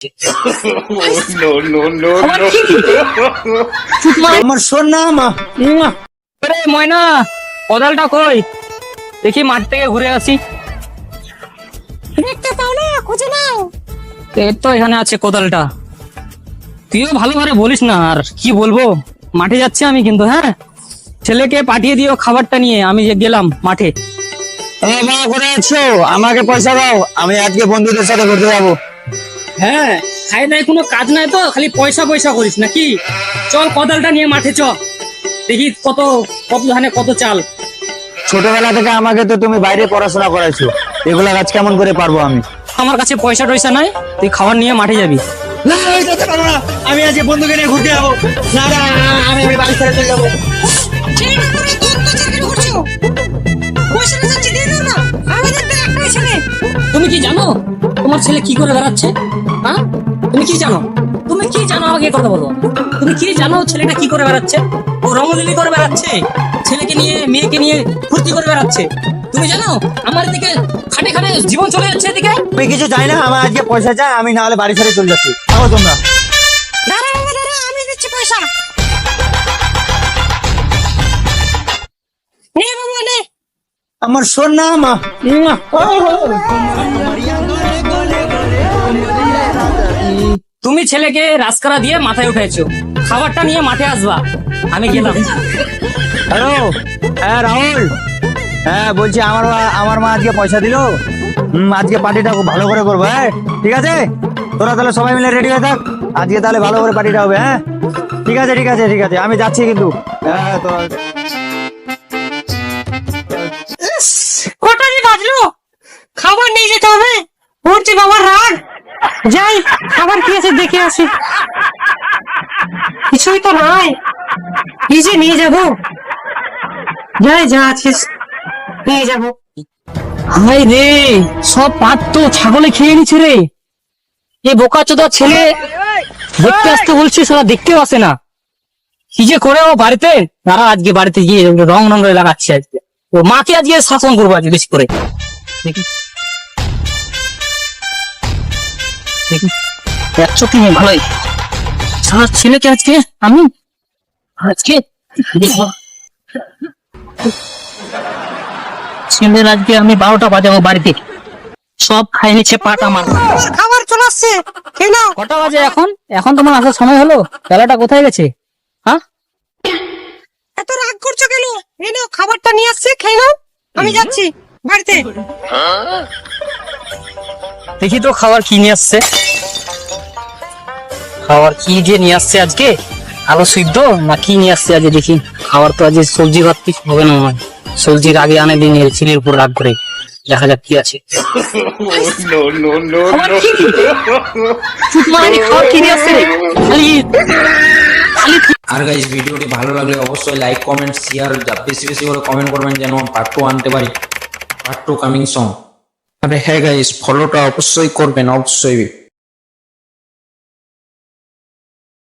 No, no, no, no. আমার সোনা মা। আরে ময়না, কোদালটা কই? দেখি মাঠ থেকে ঘুরে আসি। দেখতে পাও না, খুঁজে নাও। এই তো এখানে আছে কোদালটা। তুইও ভালোভাবে বলিস না, আর কি বলবো, মাঠে যাচ্ছি আমি কিন্তু। হ্যাঁ, ছেলেকে পাঠিয়ে দিও খাবারটা নিয়ে, আমি যে গেলাম মাঠে। করে আছো, আমাকে পয়সা দাও, আমি আজকে বন্ধুদের সাথে ঘুরতে যাবো। হ্যাঁ, খাই নাই, কোনো কাজ নাই তো, খালি পয়সা পয়সা করিস নাকি? চল কোদালটা নিয়ে মাঠে চ, দেখি কত কত ধানে কত চাল। ছোটবেলা থেকে আমাকে তো তুমি বাইরে পড়াশোনা করাইছো, এগুলা কাজ কেমন করে পারবো আমি? আমার কাছে পয়সা টয়সা নাই, তুই খাবার নিয়ে মাঠে যাবি। না, আমি যেতে পারবো না, আমি আজকে বন্ধুকে নিয়ে ঘুরতে যাবো। না না, আমি বাড়ি ছেড়ে চলে যাবো। ছেলেটা করে কত চাকরি করছো? পয়সা না যাচ্ছে দিয়ে দাও না। আমাদের তো একটাই ছেলে। তুমি কি জানো তোমার ছেলে কি করে বেড়াচ্ছে? হ্যাঁ, তুমি কি জানো? তুমি কি জানো আমাকে কথা বলো। তুমি কি জানো ছেলেটা কি করে বেড়াচ্ছে? ও রঙলিলি করে বেড়াচ্ছে, ছেলেকে নিয়ে মেয়েকে নিয়ে ফুর্তি করে বেড়াচ্ছে। তুমি জানো আমার দিকে খাটে খাটে জীবন চলে যাচ্ছে এদিকে। আমি কিছু চাই না, আমার আজকে পয়সা চাই, আমি না হলে বাড়ি ছেড়ে চলে যাচ্ছি। থাকো তোমরা। দাঁড়া বাবা দাঁড়া, আমি দিচ্ছি পয়সা। নে বাবা নে। আমার সোনা মা। তুমি ছেলেকে রাজকারা দিয়ে মাথায় উঠেছো, খাবারটা নিয়ে মাঠে আসবা, আমি গেলাম। হ্যালো, হ্যাঁ রাহুল, হ্যাঁ বলছি আমার মা আজকে পয়সা দিলো। আজকে পার্টিটা খুব ভালো করে করবো। হ্যাঁ ঠিক আছে, তোরা তাহলে সবাই মিলে রেডি হয়ে থাক, আজকে তাহলে ভালো করে পার্টিটা হবে। হ্যাঁ ঠিক আছে ঠিক আছে ঠিক আছে, আমি যাচ্ছি কিন্তু। হ্যাঁ তোরা কটাই বাজলো? খাবার নিয়ে যেতে হবে। উঠছি বাবার রাগ। যাই, খাবার কি আছে দেখে আসি। কিছুই তো নাই, কি যে নিয়ে যাবো। যাই, যা আছিস নিয়ে যাবো। হাই রে, সব পাত তো ছাগলে খেয়ে নিচ্ছে রে। এই বোকা চোদা ছেলে দেখতে আসতে বলছি, সারা দেখতেও আসে না। কি যে করে ও বাড়িতে, তারা আজকে বাড়িতে গিয়ে রং রং করে লাগাচ্ছে। আজকে ও মাকে আজকে শাসন করবো আজকে বেশি করে। দেখি দেখি, এক চোখে ভালোই সারা ছেলেকে আজকে আমি ছেলের আজকে আমি 12টা বাজাবো বাড়িতে। সব খাই নিচ্ছে পাট আমার। খাবার চলে আসছে, খেয়ে নাও। কটা বাজে এখন? এখন তোমার আসার সময় হলো? বেলাটা কোথায় গেছে? হ্যাঁ, এত রাগ করছো কেন? এই নাও খাবারটা নিয়ে আসছে, খেয়ে নাও। আমি যাচ্ছি বাড়িতে। দেখি তো খাবার কি নিয়ে আসছে। খাবার কি যে নিয়ে আসছে আজকে, আলু সিদ্ধ না কি নিয়ে আসছে আজকে? দেখি, খাবার তো আজকে সবজি ভাত কিছু হবে না আমার। সবজির আগে আনে দিন ছেলের উপর রাগ করে, দেখা যাক কি আছে। No, no, no, খাবার no. কি? চুপ মারানি, খাবার কি নিয়ে আসছে রে? খালি খালি আর গাইস, ভিডিওটি ভালো লাগলে অবশ্যই লাইক কমেন্ট শেয়ার বেশি বেশি করে কমেন্ট করবেন, যেন পার্ট 2 আনতে পারি। Part 2 coming song. আরে হ্যাঁ গাইস, ফলোটা অবশ্যই করবেন, অবশ্যই।